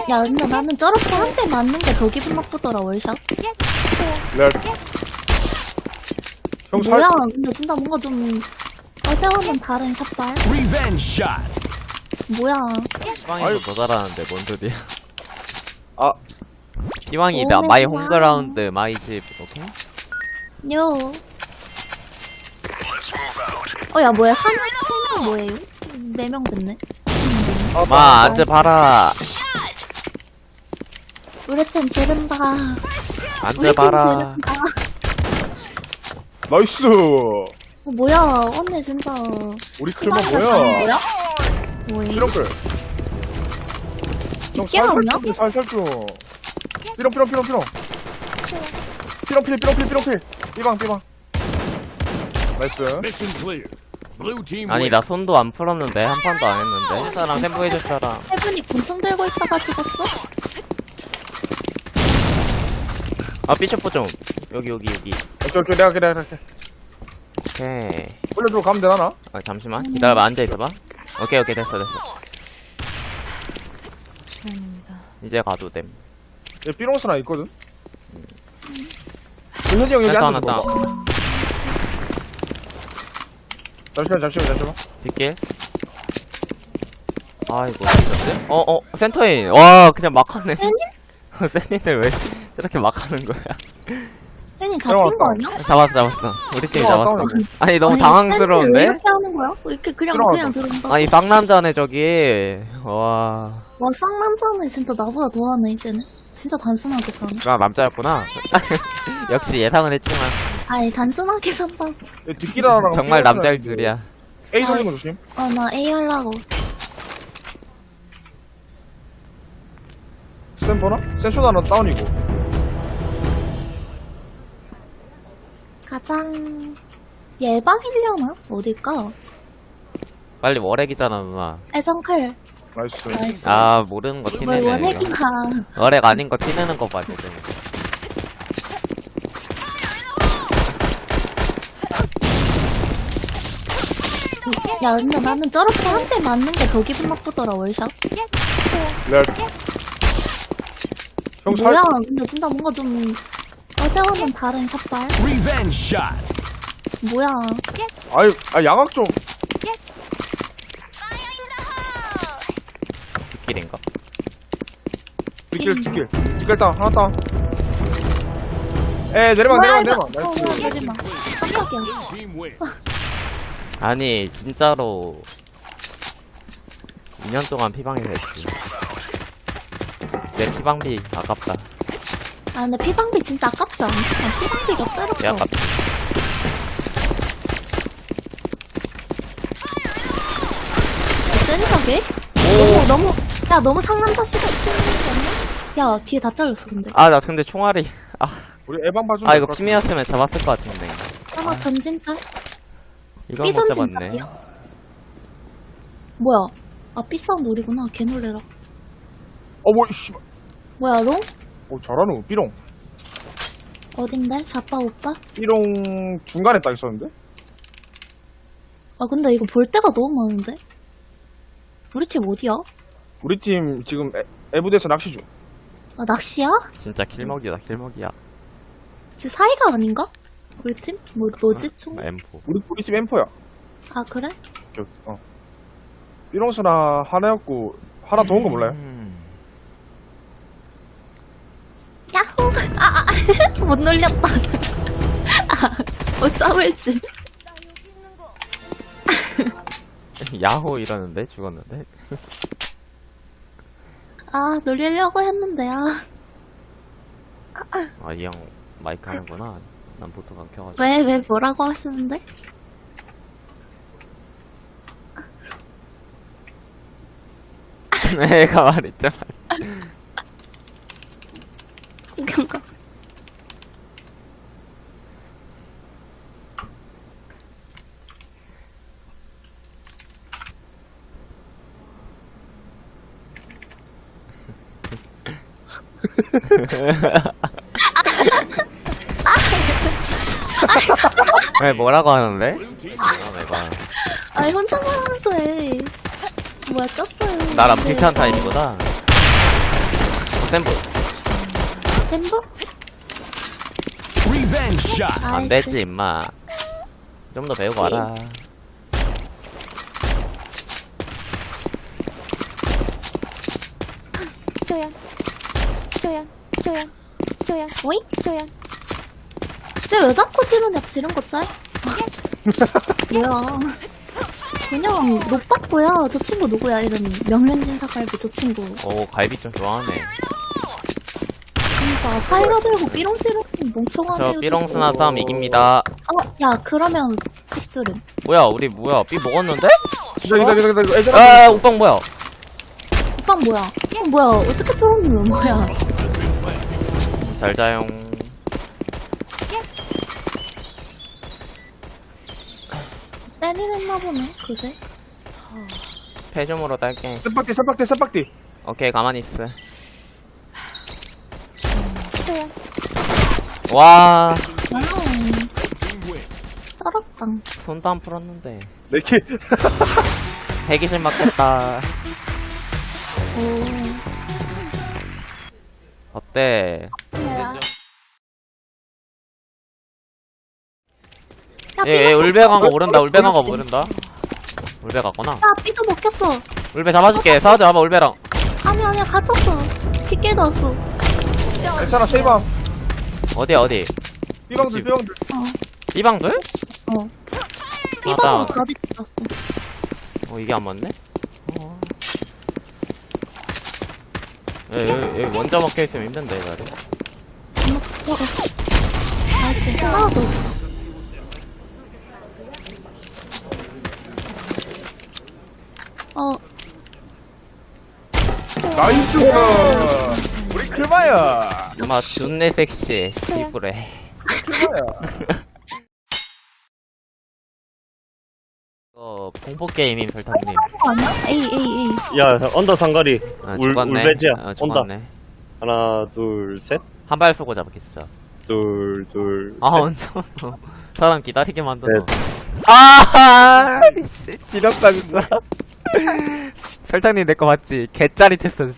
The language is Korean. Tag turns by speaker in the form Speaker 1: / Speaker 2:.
Speaker 1: 야, 근데 나는 저렇게 한 대 맞는 게 더 기분 나쁘더라, 월샷.
Speaker 2: 레알. 형 살.
Speaker 1: 뭐야, 근데 진짜 뭔가 좀, 어제와는 다른 샷발?
Speaker 3: Revenge shot.
Speaker 1: 뭐야.
Speaker 4: 피방이 더 잘하는데 뭔 소리야?
Speaker 2: 아,
Speaker 4: 피방이
Speaker 1: 오메,
Speaker 4: 마이
Speaker 1: 고마워.
Speaker 4: 홈그라운드 마이 집 오케이?
Speaker 1: 요. 야, 뭐야, 3명 뭐예요? 4명 됐네.
Speaker 4: 마 앉아 봐라.
Speaker 1: 우리 팀 지른다.
Speaker 4: 앉아
Speaker 1: 우리 팀
Speaker 4: 봐라.
Speaker 1: 지른다.
Speaker 2: 나이스.
Speaker 1: 뭐야, 언니 진짜.
Speaker 2: 우리 클만
Speaker 1: 피방이가
Speaker 2: 뭐야?
Speaker 1: 다른 거야? 뭐야?
Speaker 2: 삐렁클. 형
Speaker 1: 깨웠냐?
Speaker 2: 살살 좀. 삐렁. 삐렁필. 삐방. 나이스.
Speaker 3: Mission clear. Blue team
Speaker 4: 아니
Speaker 3: win.
Speaker 4: 나 손도 안 풀었는데 한 판도 안 했는데 사람 샘보 해줄 사람.
Speaker 1: 세븐이 곤충 들고 있다가 죽었어?
Speaker 4: 아 삐쳐포 좀 여기
Speaker 2: 오케이, 내가 할게.
Speaker 4: 오케이.
Speaker 2: 올려주고 가면 되나?
Speaker 4: 아 잠시만 기다려봐 앉아있어봐. 오케이 됐어 이제 가도 됨.
Speaker 2: 얘 삐롱스 하나 있거든? 현지 형 여기
Speaker 4: 센터
Speaker 2: 앉아서
Speaker 4: 하나
Speaker 2: 봐봐.
Speaker 4: 다운.
Speaker 2: 잠시만.
Speaker 4: 뒷길. 아이고 진짜지? 센터인. 와 그냥 막 하네. 센인을 왜 저렇게 막 하는 거야?
Speaker 1: 쌤이 잡힌 거 아니야?
Speaker 4: 잡았어. 우리 팀이 잡았어.
Speaker 2: 다운이고.
Speaker 4: 아니 너무
Speaker 1: 아니,
Speaker 4: 당황스러운데?
Speaker 1: 쌤이 왜 이렇게 하는 거야? 이렇게 그냥 들어온다.
Speaker 4: 아니 쌍남자네 저기. 와.
Speaker 1: 와, 쌍남자네 진짜 나보다 더하네 이제는. 진짜 단순하게 사네.
Speaker 4: 나 남자였구나. 역시 예상은 했지만
Speaker 1: 아이, 단순하게 산다.
Speaker 2: 얘 뒷기라랑
Speaker 4: 정말 남자일 줄이야.
Speaker 2: A 소리는 거 조심.
Speaker 1: 나 A 하려고.
Speaker 2: 센 보나? 센 쇼다는 다운이고.
Speaker 1: 가장 예방이려나? 어딜까?
Speaker 4: 빨리 월핵이잖아 누나.
Speaker 1: 애정클.
Speaker 2: 나이스.
Speaker 1: 나이스.
Speaker 4: 아 모르는 거
Speaker 1: 뭘
Speaker 4: 티내네. 이거.
Speaker 1: 원핵인가.
Speaker 4: 월핵 아닌 거 티내는 거 봐 지금.
Speaker 1: 야, 근데 나는 저렇게 한 대 맞는 게 더 기분 나쁘더라, 월샷.
Speaker 2: 레알. 형 살.
Speaker 1: 뭐야, 근데 진짜 뭔가 좀, 어제와는 다른 샷발?
Speaker 3: Revenge shot.
Speaker 1: 뭐야.
Speaker 2: 양악 좀.
Speaker 4: 뒷길인가?
Speaker 2: 뒷길 다운. 하나 다운. 내려봐. 나이스.
Speaker 1: 내리막. 깜짝이야.
Speaker 3: Blue team win.
Speaker 4: 아니 진짜로 2년 동안 피방에서 했지. 내 피방비 아깝다.
Speaker 1: 아, 근데 피방비 진짜 아깝지 않아? 피방비가
Speaker 4: 개
Speaker 1: 쩔었어.
Speaker 4: 아깝다.
Speaker 1: 세니까게? 너무 상남자 시각 쓰는 거 아니야? 야, 뒤에 다 잘렸어, 근데.
Speaker 4: 아 나 근데 총알이
Speaker 2: 우리 에방 봐주면
Speaker 4: 아 이거
Speaker 2: 될것 같아.
Speaker 4: 피미였으면 잡았을 것 같은데.
Speaker 1: 하나 전진짤?
Speaker 4: 이걸 못
Speaker 1: 삐전진
Speaker 4: 잡았네.
Speaker 1: 짤이야? 뭐야? 아, 삐싸움 놀이구나. 개 놀래라.
Speaker 2: 씨발.
Speaker 1: 뭐야, 롱?
Speaker 2: 잘하노. 삐롱.
Speaker 1: 어딘데? 자빠 오빠?
Speaker 2: 삐롱 중간에 딱 있었는데?
Speaker 1: 아, 근데 이거 볼 데가 너무 많은데? 우리 팀 어디야?
Speaker 2: 우리 팀 지금 에부대에서 낚시 중.
Speaker 1: 아, 낚시야?
Speaker 4: 진짜 킬먹이다 킬먹이야.
Speaker 1: 제 사이가 아닌가? 우리 팀? 뭐지, 총?
Speaker 4: M4.
Speaker 2: 우리 팀 엠퍼야.
Speaker 1: 아, 그래?
Speaker 2: 삐롱스나 하나였고 하나 더 온 거 몰라요?
Speaker 1: 야호! 못 놀렸다. 어쩌을지.
Speaker 4: 야호 이러는데 죽었는데.
Speaker 1: 아, 놀리려고 했는데, 아.
Speaker 4: 아 이 형 마이크 하는구나. 난 보통 안 켜가지고.
Speaker 1: 왜 뭐라고 하시는데?
Speaker 4: 내가 말했잖아.
Speaker 1: 구경가.
Speaker 4: 왜 뭐라고 하는데?
Speaker 3: Blue team
Speaker 4: 내가
Speaker 1: 아니, 혼자 말하면서 해. 뭐야, 꼈어요.
Speaker 4: 나랑
Speaker 1: 근데
Speaker 4: 비슷한 타입이구나. 센부.
Speaker 1: 센부?
Speaker 3: Revenge shot.
Speaker 4: 안 되지, 임마. 좀 더 배우고 와라.
Speaker 1: 조연. 조연. 조연. 조연. 오이? 조연. 쟤 왜 자꾸 지르냐, 지른 거 짤? 뭐야. 그냥 노빠꾸야. 저 친구 누구야, 이름이. 명륜진사갈비 저 친구.
Speaker 4: 오, 갈비 좀 좋아하네.
Speaker 1: 진짜 사이가 들고 삐롱 지르는 멍청하네.
Speaker 4: 저 삐롱스나 싸움 이깁니다.
Speaker 1: 야, 그러면 컵들은.
Speaker 4: 뭐야, 우리 뭐야? 삐 먹었는데?
Speaker 2: 기다려. 애들
Speaker 4: 아, 오빵 뭐야?
Speaker 1: 오빠 뭐야? 뭐야? 어떻게 들어오는 거야?
Speaker 4: 잘 자용.
Speaker 1: 때리는 했나 보네, 그새.
Speaker 4: 패좀으로 딸게.
Speaker 2: 쌈박띠.
Speaker 4: 오케이, 가만히 있어.
Speaker 1: 조연.
Speaker 4: 와,
Speaker 1: 와우.
Speaker 3: Team win.
Speaker 1: 쩔었다.
Speaker 4: 손도 안 풀었는데.
Speaker 2: 내키.
Speaker 4: 대기실 맞겠다.
Speaker 1: 오.
Speaker 4: 어때?
Speaker 1: 뭐야?
Speaker 4: 얘 울베 간거 모른다, 울베 간거 모른다. 울베 갔구나.
Speaker 1: 야, 삐도 먹혔어.
Speaker 4: 울베 잡아줄게. 사와줘, 와봐, 울베랑.
Speaker 1: 아니야, 갇혔어. 빗길 넣었어.
Speaker 2: 괜찮아, 세이방.
Speaker 4: 어디?
Speaker 2: 삐방들.
Speaker 4: 삐방들?
Speaker 1: 어. 삐방으로
Speaker 4: 맞아.
Speaker 1: 다 빗겼어.
Speaker 4: 이게 안 맞네? 얘 먼저 막혀있으면 힘든데, 이 자리.
Speaker 1: 나이스. 하나 더.
Speaker 2: 나이스. 우리 클마야.
Speaker 4: 엄마, 존내 섹시해. 씨부래.
Speaker 2: 클마야.
Speaker 4: 공포게임임, 설탕님.
Speaker 1: 거 아니야? 에이.
Speaker 5: 야, 언더 상거리.
Speaker 4: 아,
Speaker 5: 울베지야. 온다.
Speaker 4: 죽었네.
Speaker 5: 하나, 둘, 셋.
Speaker 4: 한 발 쏘고 잡겠어.
Speaker 5: 둘.
Speaker 4: 아,
Speaker 5: 셋.
Speaker 4: 언제 사람 기다리게 만드노.
Speaker 5: 네.
Speaker 4: 아, 씨, 지렸다, 진짜. 설탕님 내 거 맞지? 개짜릿했어,